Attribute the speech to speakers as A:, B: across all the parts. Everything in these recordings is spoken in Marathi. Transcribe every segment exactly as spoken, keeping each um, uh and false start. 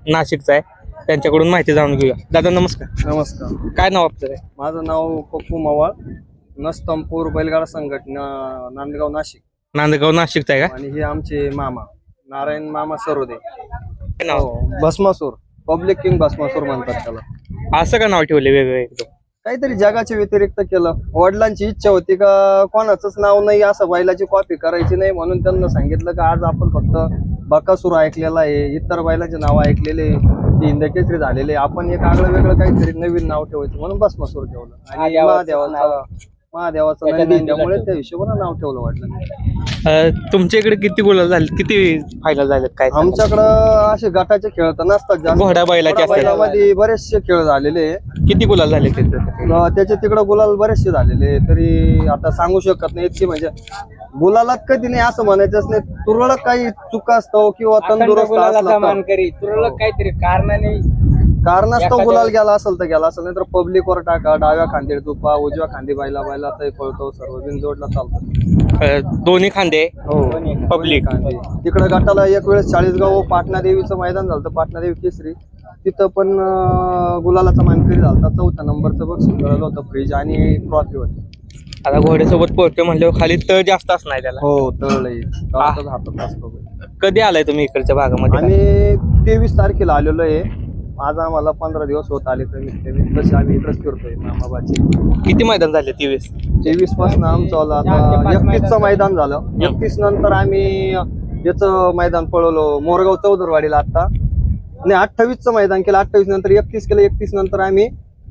A: नाशिकचा आहे, त्यांच्याकडून माहिती जाणून घेऊया. दादा नमस्कार.
B: नमस्कार.
A: काय नाव आपलं?
B: माझं नाव पप्पू मवाळ, नस्तंपूर बैलगाडा संघटना, नांदगाव नाशिक.
A: नांदगाव नाशिकचा आहे का?
B: आणि हे आमचे मामा नारायण मामा सरोदे.
A: काय नाव?
B: भस्मासूर, पब्लिक किंग भस्मासूर म्हणतात त्याला.
A: असं का नाव ठेवले वेगळं एकदम?
B: काहीतरी जगाच्या व्यतिरिक्त केलं. वडिलांची इच्छा होती का कोणाचंच नाव नाही असं बैलाची कॉपी करायची नाही, म्हणून त्यांना सांगितलं का आज आपण फक्त बकासूर ऐकलेला आहे, इतर बैलाचे नाव ऐकलेले, हिंदकेसरी झालेले, आपण एक आगळं वेगळं काहीतरी नवीन नाव ठेवायचं म्हणून भस्मासूर ठेवलं. आणि महादेवाचा महादेवाचा नंदी त्यामुळे त्या हिशोबाने नाव ठेवलं वाटलं.
A: तुमच्या इकडे किती गुलाल झाले, किती फायनल झाले काय?
B: आमच्याकडं असे गटाचे खेळ तर नसतात जास्त.
A: घोडा बैलाचे असतात.
B: बैलामध्ये बरेचसे खेळ झालेले.
A: किती गुलाल झाले तिथे?
B: त्याचे तिकडं गुलाल बरेचसे झालेले, तरी आता सांगू शकत नाही इतकी. म्हणजे गुलालात कधी नाही असं म्हणायचंच नाही. तुरळक काही चुका असतो किंवा तंदुरुस्त
C: तुरळक काहीतरी कारणाने
B: कारणास्तव गुलाल गेला असेल तर गेला असेल, नाही तर पब्लिक वर टाका, डाव्या खांदी तुपा, उजव्या खांदी बैला बैला तर पळतो, सर्व बिनजोडला चालतं.
A: दोन्ही खांदे
B: हो
A: पब्लिक.
B: तिकडे गटाला एक वेळेस चाळीसगाव पाटणा देवीचं मैदान झालं, पाटणा देवी केसरी, तिथं पण गुलालाचा मानकरी झाला. चौथ्या नंबरचं बक्षीस मिळालं होतं, फ्रीज आणि ट्रॉफी होती.
A: आता घोड्यासोबत पोहतो म्हणल्यावर खाली तळ जास्त असणार त्याला.
B: हो तळही हातात असतो.
A: कधी आलाय तुम्ही इकडच्या भागामध्ये?
B: आणि तेवीस तारखेला आलेलो आहे. आज आम्हाला पंधरा दिवस होत आले, कमीत कमी. तसे आम्ही इकडेच फिरतोय मामाबाची.
A: किती मैदान झाले? तेवीस
B: तेवीस पासून आमचं आता एकतीसचं मैदान झालं. एकतीस नंतर आम्ही याचं मैदान पळवलो मोरगाव चौदरवाडीला. आता नाही अठ्ठावीसचं मैदान केलं, अठ्ठावीस नंतर एकतीस केलं, एकतीस नंतर आम्ही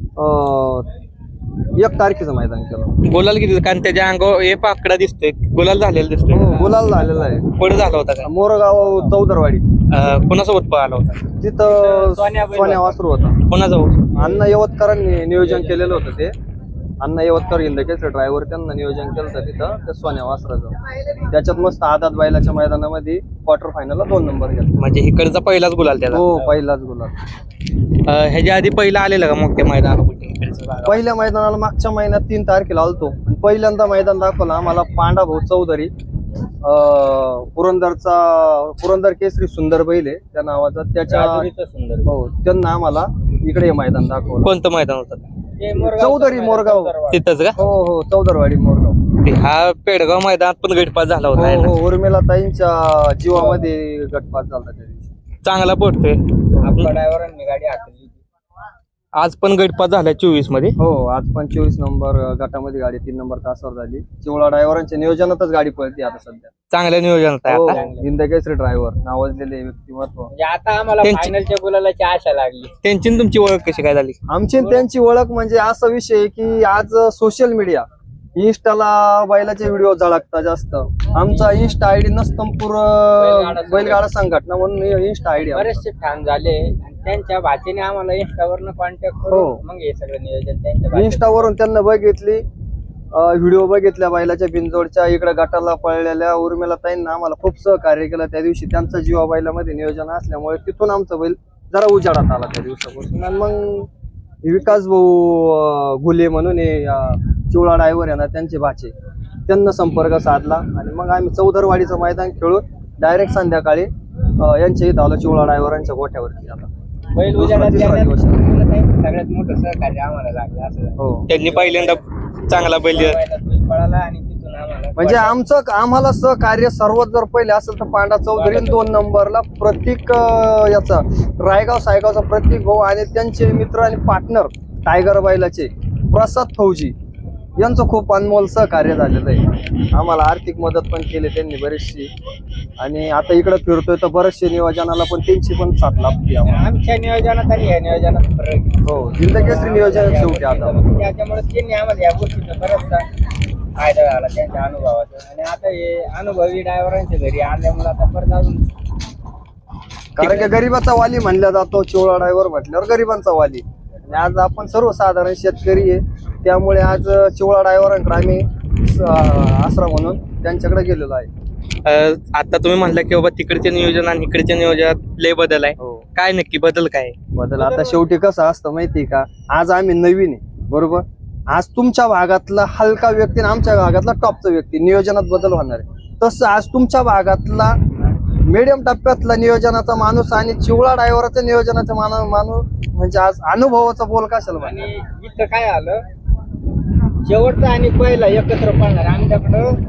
B: एक तारखेचं मैदान केलं.
A: गुलाल किती? कारण त्याच्या अंगावर एक आकडा दिसतोय, गुलाल झालेला दिसतोय.
B: हो गुलाल झालेला आहे.
A: पुढे झाला होता का?
B: मोरगाव चौदरवाडी.
A: कोणासोबत पळाला होता
B: तिथं? सोन्या वासरू होता.
A: कोणाजवळ?
B: अण्णा यवतकरांनी नियोजन केलेलं होतं ते. अण्णा यवतकर हिंदकेसरी ड्रायव्हर, त्यांना नियोजन केलं होतं तिथं त्या सोन्या वासराचं. त्याच्यात मस्त आदात बैलाच्या मैदानामध्ये क्वार्टर फायनलला दोन नंबर घेतला.
A: म्हणजे इकडचा पहिलाच गुलाल त्याला?
B: हो पहिलाच गुलाल.
A: ह्याच्या आधी पहिला आलेला का मोठ्या मैदान?
B: पहिल्या मैदानाला मागच्या महिन्यात तीन तारखेला आलतो. पहिल्यांदा मैदान दाखवलं आम्हाला पांडा भाऊ चौधरी, पुरंदरचा पुरंदर केसरी सुंदर बैल आहे त्या नावाचा. त्याच्या हो त्यांना आम्हाला इकडे हे मैदान दाखवलं.
A: कोणतं मैदान होतं?
B: चौधरी मोरगाव.
A: तिथंच का?
B: हो हो चौदरवाडी मोरगाव.
A: हा पेडगाव मैदानात पण गटपास झाला होता.
B: हो उर्मिला ताईंच्या जीवामध्ये गटपास झाला त्या दिवशी.
A: चांगला पोहोचतोय.
C: आपल्या ड्रायव्हरांनी गाडी हाकली.
A: आज पण गटपास झाला चोवीस मध्ये.
B: हो आज पण चोवीस नंबर गटामध्ये गाडी तीन नंबर तासावर झाली. चिवळा ड्रायव्हरांच्या नियोजनातच गाडी पळते आता सध्या.
A: चांगल्या नियोजनात आहे आता.
B: हिंदकेसरी ड्रायव्हर नावाजलेले व्यक्तिमत्व.
C: म्हणजे आता आम्हाला फायनलच्या गुलालाची आशा लागली.
A: त्यांची आणि तुमची ओळख कशी काय झाली?
B: आमची आणि त्यांची ओळख म्हणजे असा विषय आहे की आज सोशल मीडिया, इन्स्टाला बैलाचे व्हिडिओ झळकता जास्त. आमचा इन्स्टा आयडी नस्तंपूर बैलगाडा संघटना म्हणून इन्स्टा आयडी.
C: बरेचसे फॅन झाले, त्यांच्या भाचीने आम्हाला इंस्टावरनं कॉन्टॅक्ट करून मग हे सगळं नियोजन त्यांच्या
B: इंस्टावरून त्यांना बघितली, व्हिडिओ बघितल्या बैलाच्या बिनजोडच्या. इकडे गटाला पळलेल्या उर्मिला ताईंना आम्हाला खूप सहकार्य केलं त्या दिवशी. त्यांचा जीवा बैलामध्ये नियोजन असल्यामुळे तिथून आमचा बैल जरा उजाडात आला त्या दिवसापासून. आणि मग विकास भाऊ घुले म्हणून चिवळा ड्रायव्हर आहे ना, त्यांचे भाचे, त्यांना संपर्क साधला. आणि मग आम्ही चौदरवाडीचं मैदान खेळून डायरेक्ट संध्याकाळी यांच्या इथं आलो चिवळा ड्रायव्हरांच्या गोठ्यावरती. आता
C: बैल उजाडात सगळ्यात मोठं सहकार्य आम्हाला लागलं असं.
B: हो
A: त्यांनी पहिल्यांदा चांगला बैल
C: पळाला आणि तिथून आम्हाला
B: म्हणजे आमचं आम्हाला सहकार्य सर्वात जर पहिले असेल तर पांडा चौधरी दोन नंबरला प्रत्येक याचा रायगाव सायगावचा प्रत्येक भाऊ आणि त्यांचे मित्र आणि पार्टनर टायगर बैलाचे प्रसाद फौजी यांचं खूप अनमोल सहकार्य झालेलं आहे. आम्हाला आर्थिक मदत पण केली त्यांनी बरीचशी. आणि आता इकडे फिरतोय तर बरेचसे नियोजनाला पण त्यांची पण साथ लाभते
C: आमच्या नियोजनात आणि ह्या नियोजनात फरक.
B: हो हिंदकेसरी नियोजन शेवटी आता
C: त्याच्यामुळे त्यांनी आम्हाला या गोष्टीचा बराचसा फायदा झाला त्यांच्या अनुभवाचा. आणि आता हे अनुभवी ड्रायव्हरांच्या घरी आल्यामुळे आता परत अजून,
B: कारण की गरीबाचा वाली म्हणला जातो चिवळा ड्रायव्हर म्हटल्यावर गरीबांचा वाली. आणि आज आपण सर्वसाधारण शेतकरी आहे, त्यामुळे आज चिवळा ड्रायव्हरांकडे आम्ही आसरा म्हणून त्यांच्याकडे गेलेलो आहे.
A: आता तुम्ही म्हणला की बाबा तिकडच्या नियोजन आणि इकडच्या नियोजनात लय बदल आहे. काय नक्की बदल काय?
B: बदल आता शेवटी कसं असतं माहिती का, आज आम्ही नवीन आहे बरोबर. आज तुमच्या भागातला हलका व्यक्ती आणि आमच्या भागातला टॉपचा व्यक्ती नियोजनात बदल होणार आहे. तसं आज तुमच्या भागातला मीडियम टप्प्यातला नियोजनाचा माणूस आणि चिवळा ड्रायव्हरचा नियोजनाचा माणूस माणूस म्हणजे आज अनुभवाचा बोल कशाला म्हणे.
C: आणि इथं काय आलं, शेवटचा आणि पहिला एकत्र पळणार आमच्याकडं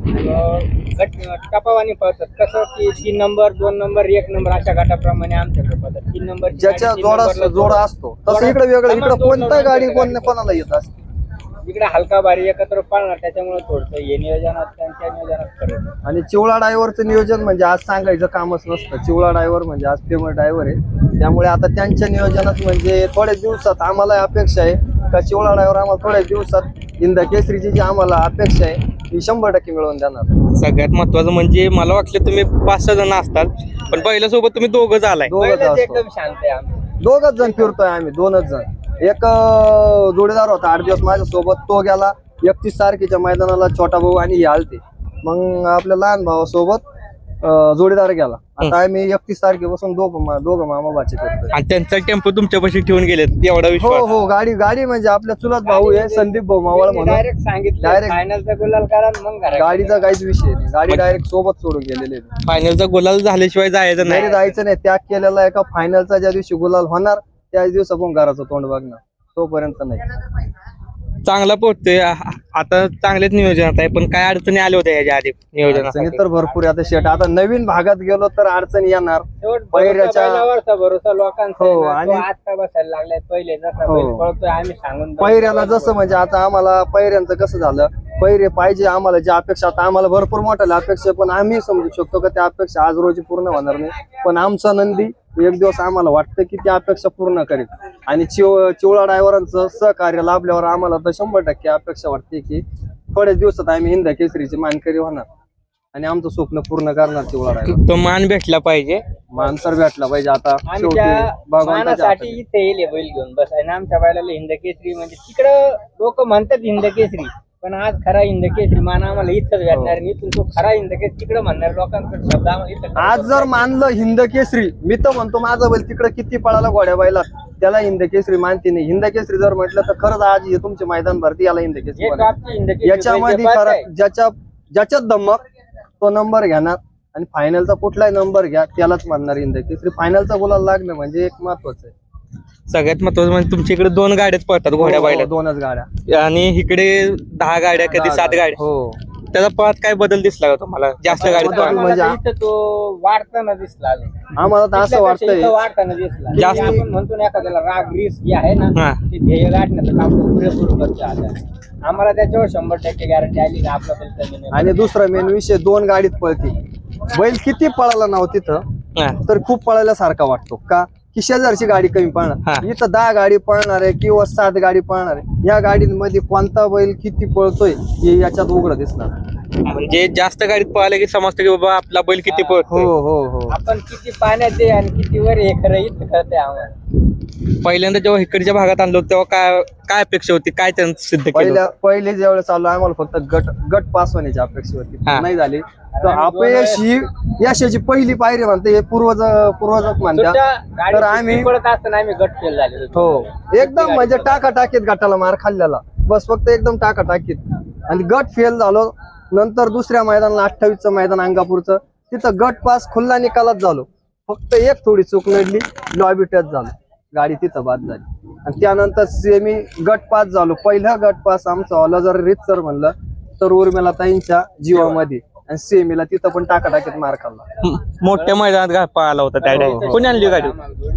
C: अं, गट टपावानी पळतात. कसं की तीन नंबर दोन नंबर एक नंबर अशा गटाप्रमाणे आमच्याकडे पळतात. तीन नंबर
B: ज्याच्या जोडा जोडा असतो तसं इकडे वेगळं, इकडे कोणता गाडी कोण कोणाला येत असते.
C: इकडे हलका भारी एकत्र पळणार, त्याच्यामुळे थोडस हे नियोजनात त्यांच्या नियोजनात फरक.
B: आणि चिवळा ड्रायव्हरचं नियोजन म्हणजे आज सांगायचं कामच नसतं. चिवळा ड्रायव्हर म्हणजे आज फेमस ड्रायव्हर आहे, त्यामुळे आता त्यांच्या नियोजनात म्हणजे थोड्या दिवसात आम्हाला अपेक्षा आहे का चिवळा ड्रायव्हर आम्हाला थोड्या दिवसात हिंद केसरीची जी आम्हाला अपेक्षा आहे ती शंभर टक्के मिळवून देणार.
A: सगळ्यात महत्वाचं म्हणजे मला वाटलं तुम्ही पाच सहा जण असतात, पण पहिल्यासोबत तुम्ही दोघं आलाय.
B: दोघच
C: पहिलंच
B: असतो,
C: एकदम शांत आहे आमचं.
B: दोघच जण फिरतोय आम्ही, दोनच जण. एक अं, जोडीदार होता आठ दिवस माझ्या सोबत, तो गेला एकतीस तारखेच्या मैदानाला, छोटा भाऊ आणि हे आलते. मग आपल्या लहान भावासोबत अं, जोडीदार गेला. आता आम्ही एकतीस तारखेपासून दोघं मा- दोघं मामा बाचे करतोय.
A: आणि त्यांचा टेम्पो तुमच्यापाशी ठेवून गेलेत एवढा
B: हो
A: विश्वास.
B: हो, गाडी गाडी म्हणजे आपल्या चुलत भाऊ आहे संदीप भाऊ मावळ म्हणून.
C: डायरेक्ट सांगितलं
B: Direct.
C: फायनलचा गुलाल करा आणि मग घरात.
B: गाडीचा काहीच विषय नाही, गाडी डायरेक्ट सोबत सोडून गेलेली आहे.
A: फायनलचा गुलाल झाल्याशिवाय जायचं
B: नाही
A: नाही.
B: जायचं नाही, त्याग केलेला आहे का फायनलचा ज्या दिवशी गुलाल होणार त्याच दिवस आपण घराचं तोंड बघणार, तोपर्यंत नाही.
A: चांगला पोहोचतोय आ- आता चांगलेच नियोजनात आहे, पण काय अडचणी आल्या होत्या याच्या आधी
B: अडचणी
A: नियोजनासाठी?
B: तर भरपूर आहे. आता शेट आता नवीन भागात गेलो तर अडचणी येणार.
C: शेवट
B: पहिल्याच्या-
C: भरोसा बैलावरचा भरोसा लोकांचा
B: हो,
C: आहे ना, तो
B: आणि-
C: आता बसायला लागलाय. पहिले जसा
B: हो.
C: बैल पळतोय आम्ही सांगून
B: पहिऱ्याला जसं म्हणजे आता आम्हाला पहिऱ्यांचं कसं झालं, पहिरे पाहिजे आम्हाला जी अपेक्षा, आता आम्हाला भरपूर मोठ्या अपेक्षा, पण आम्ही समजू शकतो का त्या अपेक्षा आज रोजी पूर्ण होणार नाही. पण आमचा नंदी एक दिवस आम्हाला वाटतं की त्या अपेक्षा पूर्ण करेल. आणि चिव चिवळा ड्रायव्हरांचं सहकार्य लाभल्यावर आम्हाला तर शंभर टक्के अपेक्षा वाटते की थोड्याच दिवसात आम्ही हिंद केसरीची मानकरी होणार आणि आमचं स्वप्न पूर्ण करणार चिवळा ड्रायव्हर.
A: तो मान भेटला पाहिजे.
B: मानसर भेटला पाहिजे. आता
C: आम्ही
B: शेवटी
C: त्या
B: भगवंताच्या
C: मानासाठी
B: हातात.
C: इथे येईल हे बैल घेऊन बस. आणि आमच्या बैलाला हिंद केसरी म्हणजे तिकडं लोक म्हणतात हिंद केसरी, पण आज खरा हिंद केसरी मान आम्हाला इथंच भेटणार. आणि इथून तो खरा हिंद केसरी तिकडे म्हणणार लोकांकडे शब्द आम्हाला इथं.
B: आज जर मानलं हिंद केसरी, मी तर म्हणतो माझा बैल तिकडे किती पळाला घोड्या बैलात, त्याला हिंद केसरी मानते नाही. हिंद केसरी जर म्हटलं तर खरंच आज हे तुमचे मैदान भरती याला हिंद केसरी
C: हे
B: म्हणायचं.
C: टॉपची हिंद केसरी
B: याच्यामध्ये
C: बैल जे पाहताय,
B: खरं ज्याच्या ज्याच्यात धमक तो नंबर घेणार. आणि फायनलचा कुठलाही नंबर घ्या त्यालाच मानणार हिंद केसरी. फायनलचा गुलाल लागणं म्हणजे एक महत्वाचं आहे.
A: सगळ्यात महत्वाचं म्हणजे तुमच्या इकडे दोन गाड्याच पळतात घोड्या
B: हो,
A: बैलात,
B: दोनच गाड्या
A: आणि इकडे दहा गाड्या कधी सात गाड्या.
B: हो,
A: त्याचा पळात काय बदल दिसला का तुम्हाला? जास्त गाडीत
B: बदल
A: पळाला?
B: म्हणजे-
C: आम्हाला तर इथं तो वाढताना दिसला अजून.
B: आम्हाला तर असं
C: तिथल्यापेक्षा
B: वाटतंय
C: इथं वाढताना दिसला.
A: जास्त-
C: म्हणजे आपण म्हणतो ना एखाद्याला राग रीस जे आहे ना,
A: हा.
C: ते ध्येय गाठण्याचं काम तो पुरेपूर करतो आता. आम्हाला त्याच्यावर शंभर टक्के गॅरंटी आली का आपला बैल कमी नाही.
B: आणि दुसरा मेन विषय, दोन गाडीत पळते. बैल किती पळाला नाव तिथं
A: हा.
B: तर खूप पळायला वाटतो का की शेजारची गाडी कमी
A: हा.
B: पळणार, इथं दहा गाडी पळणार आहे किंवा सात गाडी पळणार आहे. या गाडीमध्ये कोणता बैल किती पळतोय हे याच्यात उघड दिसणार.
A: म्हणजे जास्त गाडीत पळाले की समजतं की बाबा आपला बैल किती
B: हो
A: पळतोय.
B: हो हो.
C: आपण किती पाण्यात आहे आणि किती वर हे खरं इथं कळतंय आम्हाला.
A: पहिल्यांदा जेव्हा इकडच्या भागात आणलो तेव्हा काय काय अपेक्षा होती, काय त्यांनी सिद्ध केलं
B: पहिल्या
A: होतं?
B: पहिले ज्यावेळेस चालू आम्हाला फक्त गट गट पास होण्याची अपेक्षा होती,
A: हा.
B: नाही झाली तर अपयश ही यशाची पहिली पायरी म्हणते, हे पूर्वज पूर्वजच म्हणतात.
C: सुट्ट्या
B: तर
C: गाडी
B: आम्ही
C: सुट्टी पडत असताना आम्ही गट फेल झाले
B: हो एकदम म्हणजे टाका टाकीत गटाला मार खाल्लेला, बस फक्त एकदम टाका टाकीत. आणि गट फेल झालो. नंतर दुसऱ्या मैदानाला अठ्ठावीसचं मैदान अंगापूरचं, तिथं गट पास खुल्ला निकालात झालो. फक्त एक थोडी चूक नडली, लॉबी टच झालो, गाडी तिथं बाद झाली. आणि त्यानंतर सेमी गट पास झालो. पहिला गट पास आमचा वाला जर रीतसर म्हणलं तर उर्मिला ताईंच्या जीवामध्ये, आणि सेमीला तिथं पण टाका टाकीत मार खाल्ला.
A: म- मोठ्या मैदानात गा- पळाला होता त्या
B: हो,
A: डायरेक्ट.
B: हो.
A: कोणी आणली गाडी?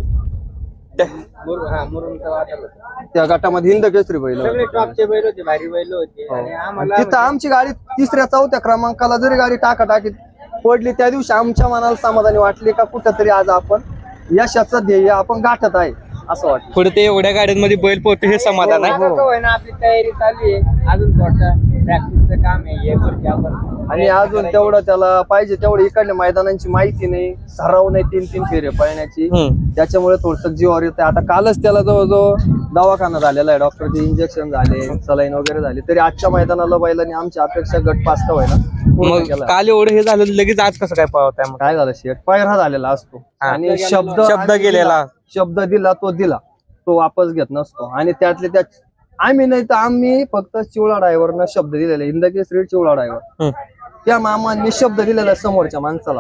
A: त्या-
C: हा मुरुमचा वादळ होता.
B: त्या गटामध्ये हिंद केसरी बैल
C: सगळे
B: होते.
C: टॉपचे बैल होते, भारी बैल होते.
B: हो.
C: आणि आम्हाला
B: तिथं आमची गाडी तिसऱ्या चौथ्या क्रमांकाला जरी गाडी टाका टाकीत पडली, त्या दिवशी आमच्या मनाला समाधानी वाटली का कुठंतरी आज आपण यशाचं ध्येय आपण गाठत आहे असं वाटतं.
A: पुढे ते एवढ्या गाड्यांमध्ये बैल पोहतो हे समाधान आहे.
C: आता काय ना आपली तयारी चालू आहे, अजून थोडं प्रॅक्टिसचं काम आहे, हे करते आपण.
B: आणि अजून तेवढं त्याला पाहिजे तेवढं इकडल्या मैदानांची माहिती नाही, सराव नाही तीन तीन फेरे पळण्याची,
A: हम्म.
B: त्याच्यामुळे थोडस जीवावर येतं. आता कालच त्याला जवळजवळ दवाखाना झालेला आहे, डॉक्टरचे इंजेक्शन झाले, सलाईन वगैरे झाले, तरी आजच्या मैदानाला बैलांनी आमची अपेक्षा गट पास का व्हायला पूर्ण
A: मग
B: केला.
A: काल एवढं हे झालं लगेच आज कसं काय पळवताय मग?
B: काय झालं शेट, पायरा झालेला असतो
A: हा.
B: आणि शब्द
A: शब्द
B: आम्ही
A: गेलेला.
B: दिला, शब्द दिला तो दिला, तो वापस घेत नसतो. आणि त्यातले त्या आम्ही नाही तर आम्ही फक्त चिवळा ड्रायव्हरनं शब्द दिलेला, हिंद केसरी चिवळा ड्रायव्हर,
A: हम्म.
B: त्या मामांनी शब्द दिलेला समोरच्या माणसाला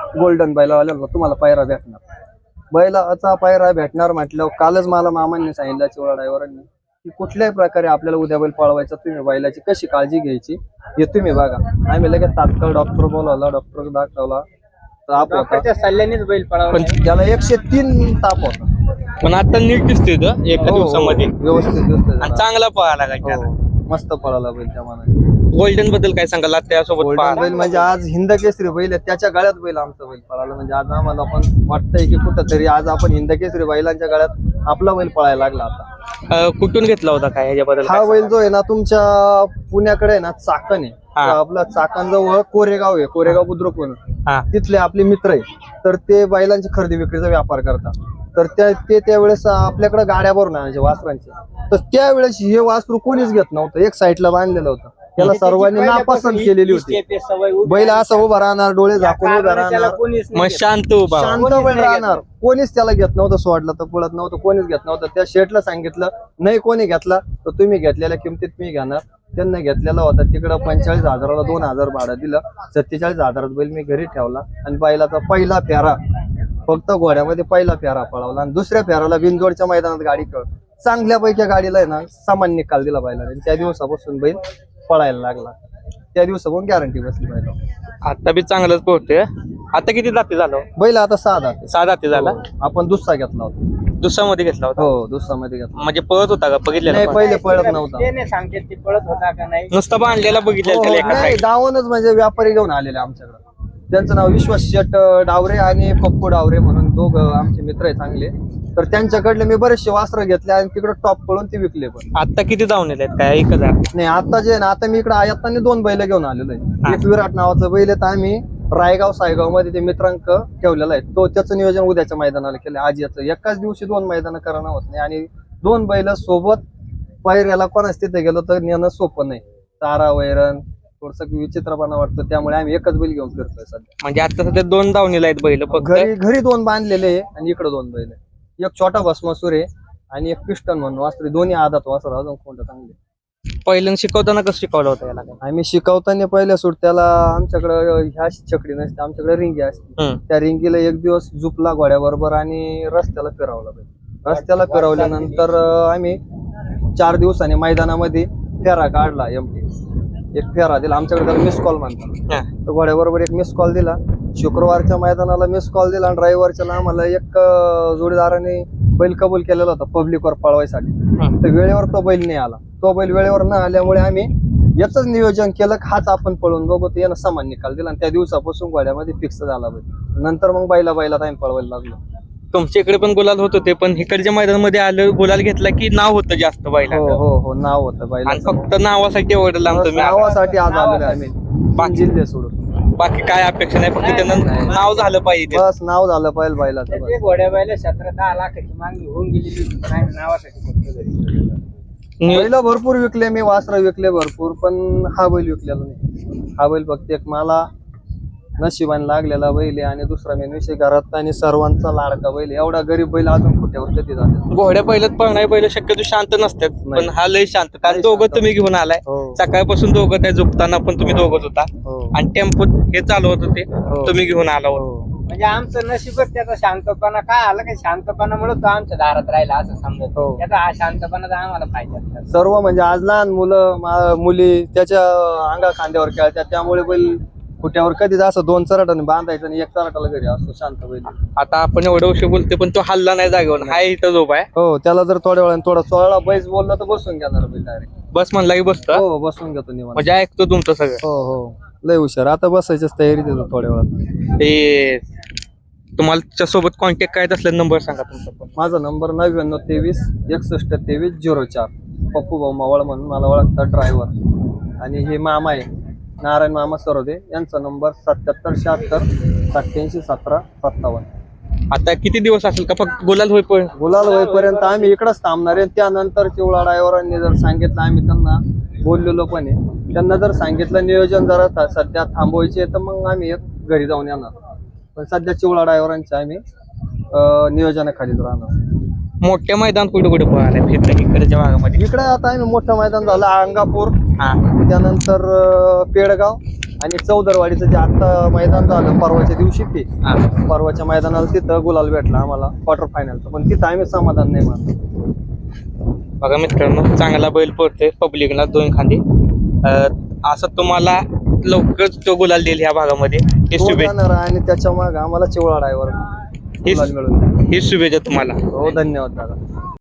B: गोल्डन बैलावाल्याला तुम्हाला पायरा भेटणार. बैलाचा पायरा भेटणार म्हटल्यावर कालच मला मामांनी सांगितलं चिवळा ड्रायव्हरांनी की कुठल्याही प्रकारे आपल्याला उद्या बैल पळवायचा, तुम्ही बैलाची कशी काळजी घ्यायची हे तुम्ही बघा. आम्ही लगेच तात्काळ डॉक्टर बोलावला, डॉक्टर दाखवला, ताप होता
C: डॉक्टरच्या सल्ल्यानेच बैल पळावा.
A: पण
B: त्याला एकशे तीन ताप होता.
A: पण आता नीट दिसतोय तो एका
B: हो, हो,
A: दिवसामध्ये
B: व्यवस्थित दिसतोय
A: आणि
B: त्याला.
A: चांगला पळाला काय
B: हो, मस्त पळाला बैल त्या मनाने.
A: गोल्डन बद्दल काय सांगाल त्यासोबत
B: गोल्डन
A: पळाला?
B: बैल म्हणजे आज हिंद केसरी बैल आहे, त्याच्या गळ्यात बैल आमचा बैल पळाला. म्हणजे आज आम्हाला पण वाटतंय की कुठंतरी आज आपण हिंद केसरी बैलांच्या गळ्यात आपला बैल पळायला लागला आता.
A: अं, कुठून घेतला होता काय ह्याच्याबद्दल
B: हा
A: काय
B: बैल जो आहे ना तुमच्या पुण्याकडे आहे ना चाकण आहे.
A: हा.
B: तर आपला चाकण जवळ कोरेगाव आहे, कोरेगाव बुद्रुक म्हणून
A: हा
B: तिथले आपले मित्र आहे. तर ते बैलांची खरेदी विक्रीचा व्यापार करतात. तर त्या ते त्यावेळेस आपल्याकडे गाड्या भरून आणायचे वासरांचे. तर त्यावेळेस हे वासरू कोणीच घेत नव्हतं, एक साईडला बांधलेलं होतं. त्याला सर्वांनी नापसंत केलेली होती. बैल असं उभा राहणार, डोळे झाकून उभा राहणार,
A: मग शांत उभा
B: शांत बैल राहणार. कोणीच त्याला घेत नव्हतं, सोडलं तर पळत नव्हतं, कोणीच घेत नव्हतं. त्या शेठला सांगितलं नाही कोणी घेतला तर तुम्ही घेतलेल्या किमतीत मी घेणार. त्यांना घेतलेला होता तिकडं पंचेचाळीस हजाराला दोन हजार भाडं दिलं. सत्तेचाळीस हजारात बैल मी घरी ठेवला आणि बैलाचा पहिला फेरा फक्त घोड्यामध्ये पहिला फेरा पळवला आणि दुसऱ्या फेराला बिनजोडच्या मैदानात गाडी खेळ चांगल्यापैकी गाडीला आहे ना सामान निकाल दिला बैला. आणि त्या दिवसापासून बैल पळायला लागला. त्या दिवसापासून गॅरंटी बसली बैला.
A: आता बी चांगलंच पोहतोय. आता किती जाती झालं?
B: बैल आता सहा दाते.
A: सहा जाती झाला.
B: आपण दुसरा घेतला होता.
A: दुसरा मध्ये घेतला होता.
B: हो दुसरा मध्ये घेतला.
A: म्हणजे पळत होता का
B: नाही
A: बघितलेला?
B: पहिले पळत नव्हता.
C: ते नाही सांगते ते पळत होता का नाही.
A: नुसता बांधलेला बघितलेला त्याला एका
B: नाही
A: साईड.
B: दावणच म्हणजे व्यापारी घेऊन आलेले आमच्याकडे. त्यांचं नाव विश्वास शेट डावरे आणि पप्पू डावरे म्हणून दोघ आमचे मित्र आहे चांगले. तर त्यांच्याकडले मी बरेचसे वास्त्र घेतले आणि तिकडे टॉप पळून ते विकले. पण
A: आता किती जाऊन आहेत काय? एक हजार.
B: नाही आता जे आहे ना आता मी इकडे आयाताने दोन बैल घेऊन आलेलो आहे. एक विराट नावाचं बैल आहे तर आम्ही रायगाव सायगाव मध्ये ते मित्रांक ठेवलेला आहे. तो त्याचं नियोजन उद्याच्या मैदानाला केलं. आज याचं एकाच दिवशी दोन मैदान करणं होत नाही आणि दोन बैल सोबत पायऱ्याला कोणाच तिथे गेलो तर नेणं सोपं नाही. तारा वैरण थोडस विचित्रपणा वाटतं, त्यामुळे आम्ही एकच बैल घेऊन फिरतोय सध्या.
A: म्हणजे आता सध्या दोन दावणीला आहेत बैल फक्त.
B: घरी घरी दोन बांधलेले आहे आणि इकडे दोन बैल आहे. एक छोटा भस्मासूर आहे आणि एक पिस्टन म्हणून वासरे, दोन्ही आदात वासर अजून कोणतं चांगले.
A: पहिल्यांदा शिकवताना कसं शिकवलं होतं याला काय?
B: आम्ही शिकवताना पहिल्या सुट्ट्याला आमच्याकडे ह्या चकडी नसते, आमच्याकडे रिंगी असते.
A: हम्म.
B: त्या रिंगीला एक दिवस झुपला घोड्याबरोबर आणि रस्त्याला फिरवला बैल. रस्त्याला फिरवल्यानंतर अं, आम्ही चार दिवसांनी मैदानामध्ये फेरा काढला. एमटी एक फेरा दिला. आमच्याकडे त्याला मिस कॉल म्हणतात.
A: हा.
B: तर घोड्याबरोबर एक मिस कॉल दिला. शुक्रवारच्या मैदानाला मिस कॉल दिला आणि रविवारच्या आम्हाला एक अं, जोडीदाराने बैल कबूल केलेला होता पब्लिकवर पळवायसाठी.
A: हम्म.
B: तर वेळेवर तो बैल नाही आला. तो बैल वेळेवर न आल्यामुळे आम्ही याच नियोजन केलं की हाच आपण पळून बघू. तर यानं समान निकाल दिला आणि त्या दिवसापासून घोड्यामध्ये फिक्स झाला बैल. नंतर मग बैला बैला आम्ही पळवायला लागलो.
A: तुमच्या इकडे पण गुलाल होत होते पण इकडच्या मैदानामध्ये आलं गुलाल घेतला की नाव होतं जास्त बैला.
B: हो हो हो नाव होतं
A: आणि
B: बैलाचं.
A: फक्त नावासाठी एवढं लांब तुम्ही आला.
B: नावासाठी आज आलेलो आम्ही
A: बाकी-
B: जिल्हे सोडून.
A: बाकी काय अपेक्षा नाही, फक्त त्यांना
B: नाही.
A: नाव झालं पाहिजे.
B: बस नाव झालं पाहिजे बैलाचं बस.
C: त्याचे घोड्या बैल सतरा दहा लाखाची मागणी होऊन गेलेली होती. पण आम्ही नावासाठी फक्त घरी.
A: नियो-
B: बैल भरपूर विकले मी, वासर विकले भरपूर, पण हा बैल विकलेला नाही. हा बैल फक्त एक मला नशिबाने लागलेला बैल आहे आणि दुसरा मेन विषय घरात आणि सर्वांचा लाडका बैल आहे. एवढा गरीब बैल अजून कुठेवर कधी झाले.
A: घोड्या पहिल्यात पळणारे बैल शक्यतो शांत नसतात
B: नाही.
A: पण हा लय शांत. कारण
B: लय
A: दोघं
B: शांत.
A: तुम्ही घेऊन आलाय
B: हो
A: सकाळपासून दोघं त्या झोपताना पण तुम्ही दोघंच होता
B: हो
A: आणि टेम्पोत हे चालवत होते
B: हो.
A: तुम्ही घेऊन आला होता.
B: हो.
C: म्हणजे आमचं नशीबच त्याचा शांतपणा काय आलं की शांतपणामुळे तो आमच्या दारात राहिला असं समजत.
B: हो.
C: त्याचा हा शांतपणा तर आम्हाला पाहिजे.
B: सर्व म्हणजे आज लहान मुलं मा- मुली त्याच्या अंगा खांद्यावर खेळतात, त्यामुळे बैल कुठ्यावर कधीच असं दोन चराटाने बांधायचं आणि एक चराटाला घरी असतो शांत बैल.
A: आता आपण एवढं उशीर बोलते पण तो हल्ला नाही जागेवर. हा इथं झोप आहे.
B: हो त्याला जर थोड्या वेळाने थोडा सोळा बैस बोलला तर बसून घेणार बैल डायरेक्ट.
A: बस म्हणला की बसतो.
B: हो बसून घेतो निवांत.
A: म्हणजे ऐकतो तुमचं सगळं.
B: हो हो लय हुशार. आता बसायचीच तयारी देतो थोड्या वेळात.
A: ते तुम्हाला सोबत कॉन्टॅक्ट करायचा असला नंबर सांगा तुमचा पण.
B: माझा नंबर नव्याण्णव तेवीस एकसष्ट तेवीस झिरो चार. पप्पू भाऊ मावळ म्हणून मला ओळखतात ड्रायव्हर. आणि हे मामा आहे नारायण मामा सरोदे, यांचा नंबर सत्याहत्तर शहात्तर सत्याऐंशी सतरा सत्तावन्न.
A: आता किती दिवस असेल का फक्त गुलाल होई पण?
B: गुलाल होईपर्यंत आम्ही इकडंच थांबणार आहे. त्यानंतर चिवळा ड्रायव्हरांनी जर सांगितलं, आम्ही त्यांना बोललेलो पण आहे, त्यांना जर सांगितलं नियोजन जरा था- सध्या थांबवायचे तर मग आम्ही एक घरी जाऊन येणार. पण सध्या चिवळा ड्रायव्हरांचे आम्ही अं, नियोजनाखालीच राहणार.
A: मोठ्या मैदान कुठे कुठे पळाले फिरलं इकडच्या भागामध्ये?
B: इकडे आता आम्ही मोठं मैदान झालं अंगापूर,
A: हा
B: त्यानंतर अं, पेडगाव आणि चौदरवाडीचं जे आता मैदान झालं परवाच्या दिवशी ते
A: हा.
B: परवाच्या मैदानाला तिथं गुलाल भेटला आम्हाला क्वार्टर फायनलचं, पण तिथं आम्ही समाधान नाही मानतो.
A: बघा मित्रांनो, चांगला बैल पडतोय पब्लिकला दोन खांदे. अं, असं तुम्हाला लवकरच तो गुलाल देईल ह्या भागामध्ये हे
B: तो
A: शुभेच्छा.
B: जाणार आणि त्याच्या मागे आम्हाला चिवळा ड्रायव्हर
A: हे
B: गुलाल मिळून द्या.
A: हे शुभेच्छा तुम्हाला.
B: हो, धन्यवाद दादा.